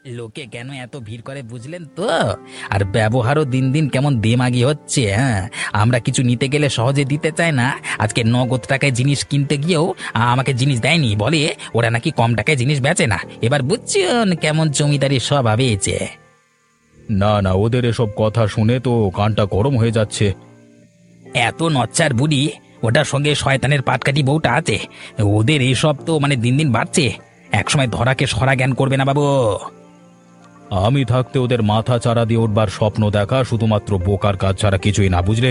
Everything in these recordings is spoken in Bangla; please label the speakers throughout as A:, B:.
A: লোকে কেন এত ভিড় করে বুঝলেন তো? আর ব্যবহারও দিন দিন কেমন দেমাগি হচ্ছে। হ্যাঁ, আমরা কিছু নিতে গেলে সহজে দিতে চায় না। আজকে নগদ টাকায় জিনিস কিনতে গিয়েও আমাকে জিনিস দেয়নি, বলে ওরা নাকি কম টাকায় জিনিস বেচে না। এবার বুঝছেন কেমন জমিদারি স্বভাব হয়েছে।
B: না না, ওদের এসব কথা শুনে তো কানটা গরম হয়ে যাচ্ছে।
A: এত নচ্চার বুড়ি, ওটার সঙ্গে শয়তানের পাটকাঠি বউটা আছে, ওদের এইসব তো মানে দিন দিন বাড়ছে। একসময় ধরাকে সরা জ্ঞান করবে না বাবু।
B: আমি থাকতে ওদের মাথা চারা দিয়ে উঠবার স্বপ্ন দেখা শুধুমাত্র বোকার কাজ ছাড়া কিছুই না, বুঝলে?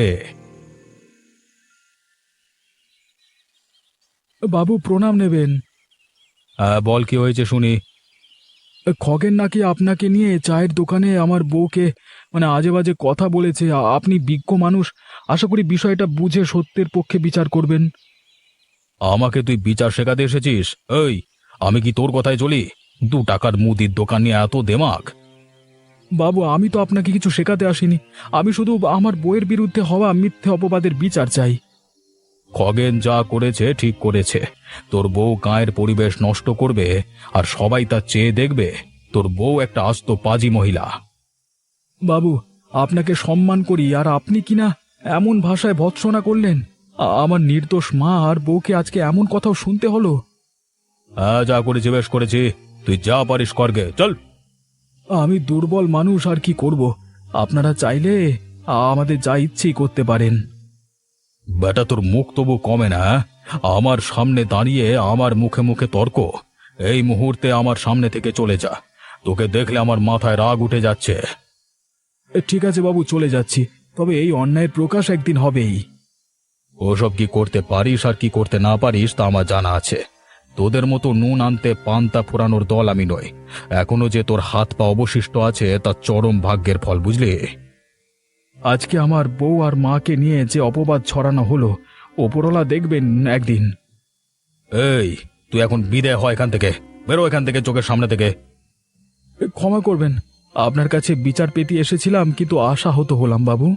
C: বাবু প্রণাম নেবেন।
B: হ্যাঁ, বল কি হয়েছে শুনি।
C: খগেন নাকি আপনাকে নিয়ে চায়ের দোকানে আমার বউকে আজে বাজে কথা বলেছে। আপনি বিজ্ঞ মানুষ, আশা করি বিষয়টা বুঝে সত্যের পক্ষে বিচার করবেন।
B: আমাকে তুই বিচার শেখাতে এসেছিস? এই, আমি কি তোর কথায় চলি? 2 টাকার মুদির দোকান নিয়ে এত দেমাক?
C: বাবু, আমি তো আপনাকে কিছু শেখাতে আসিনি। আমি শুধু আমার বউয়ের বিরুদ্ধে হওয়া মিথ্যে অপবাদের বিচার চাই।
B: খগেন যা করেছে ঠিক করেছে। তোর বউ গায়ের পরিবেশ নষ্ট করবে আর সবাই তা চেয়ে দেখবে? তোর বউ একটা আস্ত পাজি মহিলা।
C: বাবু, আপনাকে সম্মান করি, আর আপনি কিনা এমন ভাষায় ভৎসনা করলেন। আমার নির্দোষ মা আর বউকে আজকে এমন কথাও শুনতে হলো।
B: হ্যাঁ, যা করেছি বেশ করেছি। তুই যা পারিস করগে, চল।
C: আমি দুর্বল মানুষ, আর কি করব। আপনারা চাইলে আমাদের যা ইচ্ছেই করতে পারেন।
B: বেটা, তোর মুখ তবু কমে না? আমার সামনে দাঁড়িয়ে আমার মুখে মুখে তর্ক! এই মুহূর্তে আমার সামনে থেকে চলে যা। তোকে দেখলে আমার মাথায় রাগ উঠে যাচ্ছে।
C: ঠিক আছে বাবু, চলে যাচ্ছি। তবে এই অন্যায়ের প্রকাশ একদিন হবেই।
B: ওসব কি করতে পারিস আর কি করতে না পারিস তা আমার জানা আছে। তোদের মতো নুন আনতে পান্তা ফোরানোর দল আমি নই। এখনো যে তোর হাত পা অবশিষ্ট আছে তা চরম ভাগ্যের ফল, বুঝলি?
C: আজকে আমার বউ আর মাকে নিয়ে যে অপবাদ ছড়ানো হলো, ওপরওয়ালা দেখবেন একদিন।
B: এই, তুই এখন বিদায় হয় এখান থেকে। বেরো এখান থেকে, চোখের সামনে থেকে।
C: ক্ষমা করবেন, আপনার কাছে বিচার পেতে এসেছিলাম, কিন্তু আশাহত হলাম বাবু।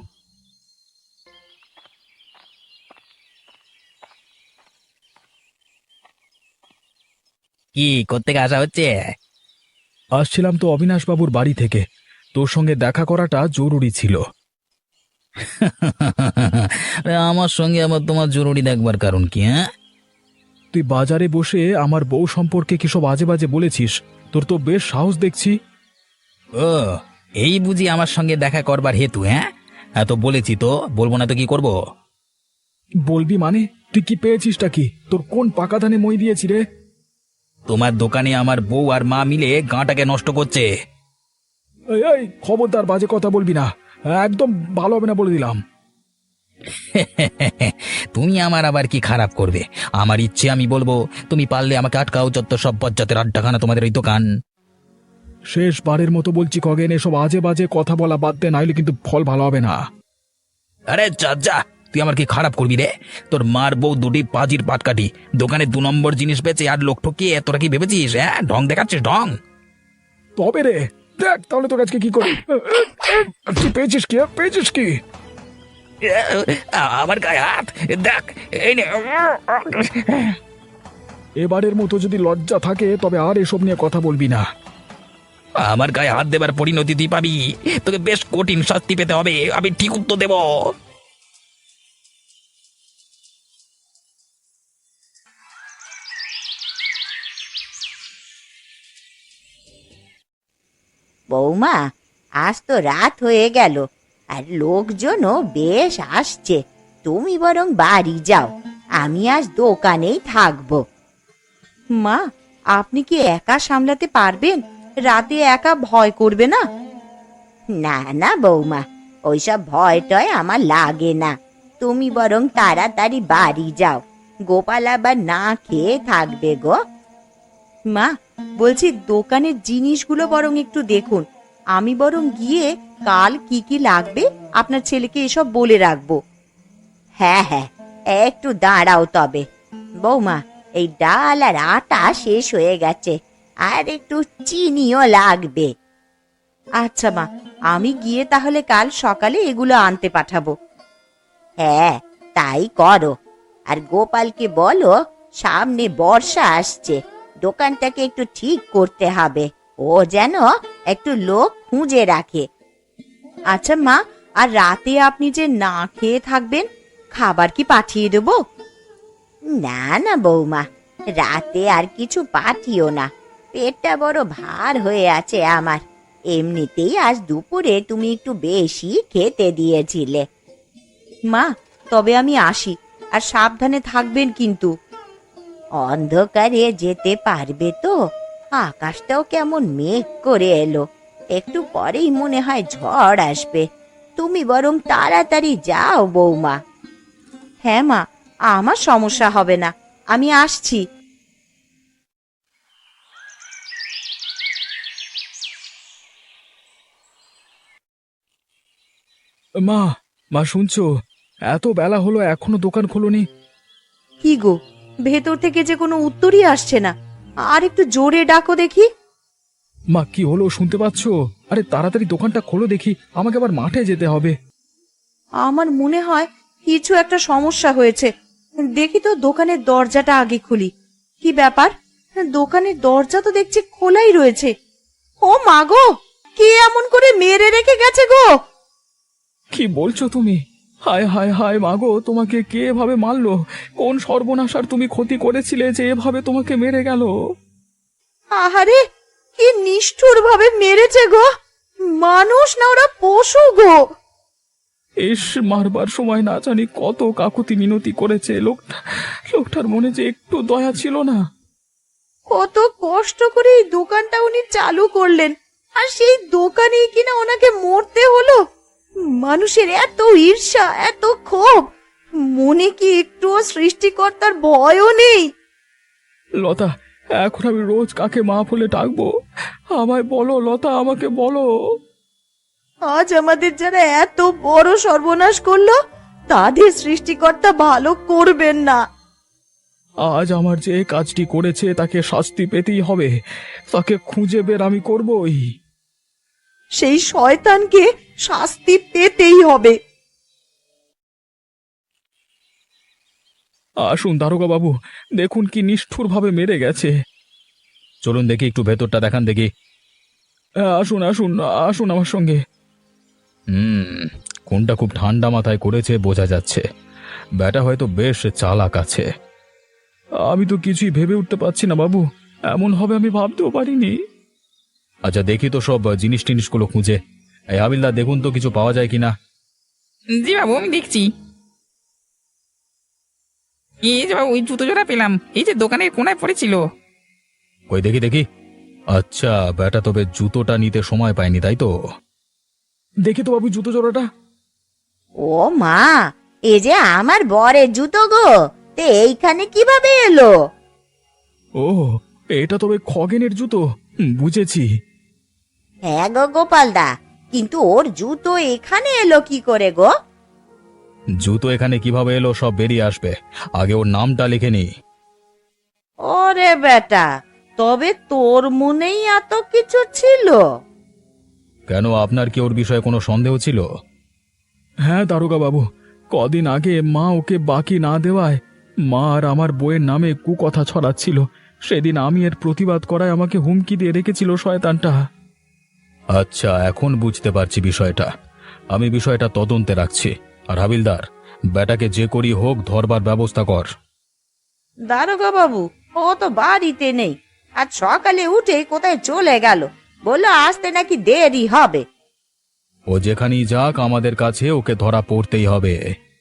A: কি করতে আসা হচ্ছে?
C: আসছিলাম তো অবিনাশ বাবুর বাড়ি থেকে। তোর সঙ্গে দেখা করাটা জরুরি ছিল।
A: আরে আমার সঙ্গে আবার তোমার জরুরি দেখবার কারণ কি? হ্যাঁ,
C: তুই বাজারে বসে আমার বউ সম্পর্কে কিসব আজে বাজে বলেছিস। তোর তো বেশ সাহস দেখছি।
A: ও, এই বুঝি আমার সঙ্গে দেখা করবার হেতু? হ্যাঁ, তো বলেছি তো, বলবো না তো কি করব?
C: বলবি মানে? তুই কি পেয়েছিসটা কি? তোর কোন পাকা ধানে মই দিয়েছি রে?
A: তোমার দোকানে আমার বউ আর মা মিলে গাঁটাকে নষ্ট করছে।
C: এই এই, খবরদার বাজে কথা বলবি না। একদম ভালো হবে না বলে দিলাম।
A: তুমি আমার আবার কি খারাপ করবে? আমার ইচ্ছে আমি বলবো, তুমি পারলে আমাকে আটকাও। যত সব বজ্জাতের আড্ডাখানা তোমাদের ওই দোকান।
C: শেষবারের মতো বলছি খগেন, এসব আজে বাজে কথা বলা বাদ দে, নাইলে কিন্তু ফল ভালো হবে না।
A: আরে যা যা, তুই আমার কি খারাপ করবি রে? তোর মার বউ দুটি পাজির পাটকাঠি, দোকানে 2 নম্বর জিনিস বেচে আর লোক ঠকিয়ে তোরা কি ভেবেছিস? হ্যাঁ, ঢং দেখাচ্ছিস ঢং।
C: তবে রে, দেখ তাহলে তোর আজকে কি করি। কি পেয়েছিস? কি পেয়েছিস? কি
A: আমার গায়ে হাত! দেখ, এই নে।
C: এবারের মতো যদি লজ্জা থাকে তবে আর এসব নিয়ে কথা বলবি না।
A: আমার গায়ে হাত দেবার পরিণতি তুই পাবি। তোকে বেশ কঠিন শাস্তি পেতে হবে, আমি ঠিক উত্তর দেব।
D: বৌমা, আজ তো রাত হয়ে গেল, আর লোকজনও বেশ আসছে। তুমি বরং বাড়ি যাও, আমি আজ দোকানেই থাকবো। মা, আপনি কি একা সামলাতে পারবেন? রাতে একা ভয় করবে না? না না বৌমা, ওইসব ভয় টয় আমার লাগে না। তুমি বরং তাড়াতাড়ি বাড়ি যাও, গোপাল আবার না খেয়ে থাকবে গো। মা, বলছি দোকানের জিনিসগুলো বরং একটু দেখুন। আমি বরং গিয়ে কাল কি কি লাগবে আপনার ছেলেকে এসব বলে রাখবো। হ্যাঁ হ্যাঁ, একটু দাঁড়াও তবে। বৌমা, এই ডাল আর আটা শেষ হয়ে গেছে, আর একটু চিনিও লাগবে। আচ্ছা মা, আমি গিয়ে তাহলে কাল সকালে এগুলো আনতে পাঠাবো। হ্যাঁ, তাই করো। আর গোপালকে বলো সামনে বর্ষা আসছে, দোকানটাকে একটু ঠিক করতে হবে, ও যেন একটু লোক খুঁজে রাখে। আচ্ছা মা, আর রাতে আপনি যে না খেয়ে থাকবেন, খাবার কি পাঠিয়ে দেব? না না বৌমা, রাতে আর কিছু পাঠিও না। পেটটা বড় ভার হয়ে আছে আমার। এমনিতেই আজ দুপুরে তুমি একটু বেশি খেতে দিয়েছিলে। মা, তবে আমি আসি, আর সাবধানে থাকবেন কিন্তু। অন্ধকারে যেতে পারবে তো? আকাশটাও কেমন মেঘ করে এলো, একটু পরেই মনে হয় ঝড় আসবে। তুমি বরং তাড়াতাড়ি যাও বৌমা। হ্যাঁ মা, আমার সমস্যা হবে না, আমি আসছি।
C: মা, মা শুনছো? এত বেলা হলো এখনো দোকান খোলনি।
D: কি গো, ভেতর থেকে যে কোনো উত্তরই আসছে না। আর একটু জোরে ডাকো দেখি।
C: মা, কি হলো শুনতে পাচ্ছো? আরে তাড়াতাড়ি দোকানটা খোলো দেখি, আমাকে আবার মাঠে যেতে হবে।
D: আমার মনে হয় কিছু একটা সমস্যা হয়েছে। দেখি তো দোকানের দরজাটা আগে খুলি। কি ব্যাপার, দোকানের দরজা তো দেখছি খোলাই রয়েছে। ও মা গো, কে এমন করে মেরে রেখে গেছে গো?
C: কি বলছো তুমি? হায় হায় হায় মাগো, তোমাকে কে এভাবে মারলো? কোন সর্বনাশ আর তুমি ক্ষতি করেছিলে যে এভাবে তোমাকে মেরে গেল?
D: আহারে, কি নিষ্ঠুর ভাবে মেরেছে গো! মানুষ না, ওরা পশু গো।
C: ইস, মারবার সময় না জানি কত কাকুতি মিনতি করেছে লোকটার মনে যে একটু দয়া ছিল না।
D: কত কষ্ট করে এই দোকানটা উনি চালু করলেন, আর সেই দোকানেই কিনা ওনাকে মরতে হলো। মানুষের এত ঈর্ষা, এত ক্ষোভ, মনে কি একটুও সৃষ্টিকর্তার ভয়ও নেই?
C: লতা, এখন আমি রোজ কাকে মা বলে ডাকবো? আমায় বলো লতা, আমাকে বলো।
D: আজ আমাদের যারা এত বড় সর্বনাশ করলো, তাদের সৃষ্টিকর্তা ভালো করবেন না।
C: আজ আমার যে কাজটি করেছে তাকে শাস্তি পেতেই হবে, তাকে খুঁজে বের আমি করবই।
D: সেই শয়তানকে শাস্তি পেতেই হবে।
C: আসুন দারোগা বাবু, দেখুন কি নিষ্ঠুর ভাবে মেরে গেছে।
B: চলুন দেখি, একটু ভেতরটা দেখান দেখি।
C: আসুন আসুন আসুন আমার সঙ্গে।
B: কোনটা খুব ঠান্ডা মাথায় করেছে বোঝা যাচ্ছে। ব্যাটা হয়তো বেশ চালাক আছে।
C: আমি তো কিছুই ভেবে উঠতে পারছি না বাবু, এমন হবে আমি ভাবতেও পারিনি।
B: আচ্ছা দেখি তো সব জিনিস টিনিসগুলো খুঁজে। এই হাবিলদার, দেখুন তো কিছু পাওয়া যায় কিনা।
A: জি বাবু, আমি দেখছি। এই যে বাবু, ওই জুতো জোড়া পেলাম, এই যে দোকানের কোনায় পড়েছিল।
B: কই দেখি দেখি। আচ্ছা, ব্যাটা তবে জুতোটা নিতে সময় পায়নি, তাই তো?
C: দেখি তো বাবু জুতো জোড়াটা।
D: ও মা, এ যে আমার বরের জুতো গো, তে এইখানে কিভাবে এলো?
C: ও, এটা তবে খগেনের জুতো। বুঝেছি।
D: হ্যাঁ গো গোপালদা, কিন্তু ওর জুতো এখানে এলো কি করে গো?
B: জুতো এখানে কিভাবে এলো সব বেরিয়ে আসবে, আগে ওর নামটা লিখে নি।
D: ওরে বেটা, তবে তোর মনেই এত কিছু ছিল?
B: কেন, আপনার কি ওর বিষয়ে কোনো সন্দেহ ছিল?
C: হ্যাঁ দারোগা বাবু, কদিন আগে মা ওকে বাকি না দেওয়ায় মা আর আমার বইয়ের নামে কুকথা ছড়াচ্ছিল। সেদিন আমি এর প্রতিবাদ করায় আমাকে হুমকি দিয়ে রেখেছিল শয়তানটা।
B: আচ্ছা, এখন বুঝতে পারছি বিষয়টা। আমি বিষয়টা তদন্তে রাখছি। আর হাবিলদার, ব্যাটাকে যে করি হোক ধরবার ব্যবস্থা কর।
D: দারোগা বাবু, ও তো বাড়িতে নেই। আজ সকালে উঠে কোথায় চলে গেল, বললো আসতে নাকি দেরি হবে।
B: ও যেখানেই যাক, আমাদের কাছে ওকে ধরা পড়তেই হবে।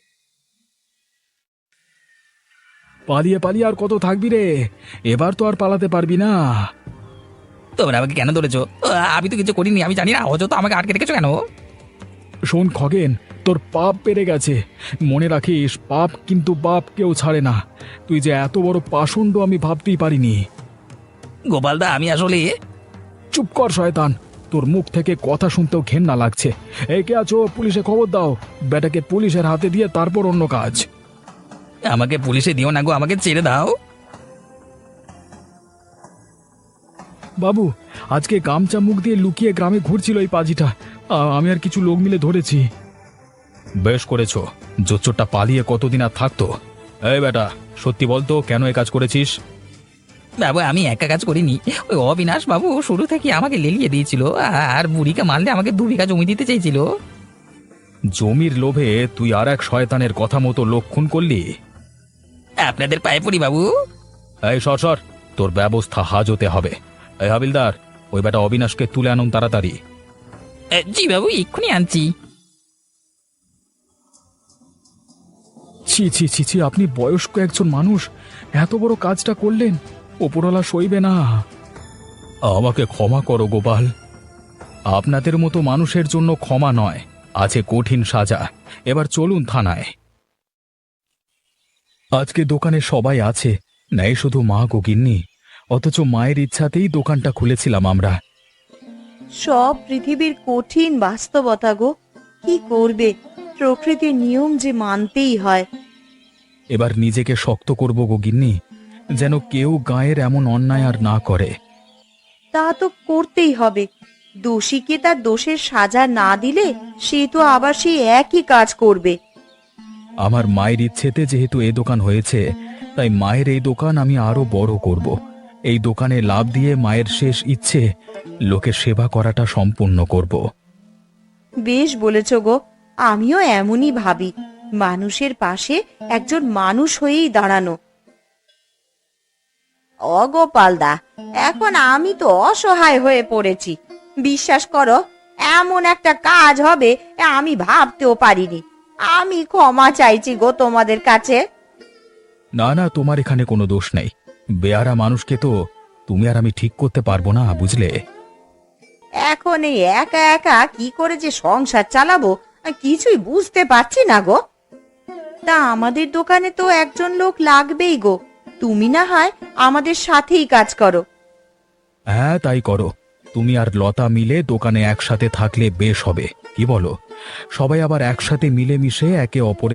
C: পালিয়ে পালিয়ে আর কত থাকবি রে? এবার তো আর পালাতে পারবি না।
A: তোমরা আমাকে কেন ধরেছো? আমি তো কিছু করিনি, আমি জানি না। অযথা আমাকে আটকে রেখেছো কেন?
C: শোন খগেন, তোর পাপ বেড়ে গেছে। মনে রাখিস, পাপ কিন্তু বাপ কেউ ছাড়ে না। তুই যে এত বড় পাষণ্ড আমি ভাবতেই পারিনি।
A: গোপালদা, আমি আসলে...
C: চুপ কর শয়তান, তোর মুখ থেকে কথা শুনতেও ঘেন্না লাগছে। এই কে আছো? পুলিশে খবর দাও। বেটাকে পুলিশের হাতে দিয়ে তারপর অন্য কাজ।
A: আমাকে পুলিশে দিও না গো, আমাকে ছেড়ে দাও।
C: বাবু, আজকে গামছা মুখ দিয়ে লুকিয়ে গ্রামে ঘুরছিল এই পাজিটা। আমি আর কিছু লোক মিলে ধরেছি।
B: বেশ করেছো। জোচ্চোরটা পালিয়ে কতদিন আর থাকতো? এই বেটা, সত্যি বলতো, কেন এ কাজ করেছিস?
A: বাবু আমি একা কাজ করিনি, ওই অবিনাশ বাবু শুরু থেকে আমাকে লেলিয়ে দিয়েছিল, আর বুড়িকে মারলে আমাকে 2 বিঘা জমি দিতে চাইছিল।
B: জমির লোভে তুই আর এক শয়তানের কথা মতো লোক খুন করলি।
A: আপনাদের পায়ে পড়ি বাবু।
B: এই সর সর, তোর ব্যবস্থা হাজতে হবে। এই হাবিলদার, ওই বেটা অবিনাশকে তুলে আনুন তাড়াতাড়ি।
A: জি বাবু, এক্ষুনি আনছি।
C: ছি ছি ছি ছি, আপনি বয়স্ক একজন মানুষ এত বড় কাজটা করলেন, ওপরওয়ালা সইবে না।
B: আমাকে ক্ষমা করো গোপাল। আপনাদের মতো মানুষের জন্য ক্ষমা নয়, আছে কঠিন সাজা। এবার চলুন থানায়। আজকে দোকানে সবাই আছে, নেই শুধু মা গো গিন্নি। অথচ মায়ের ইচ্ছাতেই দোকানটা খুলেছিলাম আমরা।
D: সব পৃথিবীর কঠিন বাস্তবতা গো, কি করবে, প্রকৃতির নিয়ম যে মানতেই হয়।
B: এবার নিজেকে শক্ত করব গো গিন্নি, যেন কেউ গায়ের এমন অন্যায় আর না করে।
D: তা তো করতেই হবে। দোষীকে তার দোষের সাজা না দিলে সে তো আবার সেই একই কাজ করবে।
B: আমার মায়ের ইচ্ছেতে যেহেতু এই দোকান হয়েছে, তাই মায়ের এই দোকান আমি আরো বড় করব। এই দোকানে লাভ দিয়ে মায়ের শেষ ইচ্ছে, লোকের সেবা করাটা সম্পূর্ণ করব।
D: বেশ বলেছ গো, আমিও এমনই ভাবি, মানুষের পাশে একজন মানুষ হয়েই দাঁড়ানো। অগোপালদা, এখন আমি তো অসহায় হয়ে পড়েছি। বিশ্বাস করো, এমন একটা কাজ হবে আমি ভাবতেও পারিনি। আমি ক্ষমা চাইছি গো তোমাদের কাছে।
B: না না, তোমার এখানে কোনো দোষ নেই। বেয়ারা মানুষকে তো তুমি আর আমি ঠিক করতে পারবো না, বুঝলে?
D: এখন এই একা একা কি করে যে সংসার চালাবো কিছুই বুঝতে পারছি না গো। তা আমাদের দোকানে তো একজন লোক লাগবেই গো, তুমি না হয় আমাদের সাথেই কাজ করো।
B: হ্যাঁ, তাই করো। তুমি আর লতা মিলে দোকানে একসাথে থাকলে বেশ হবে, কি বলো? সবাই আবার একসাথে মিলেমিশে একে অপরের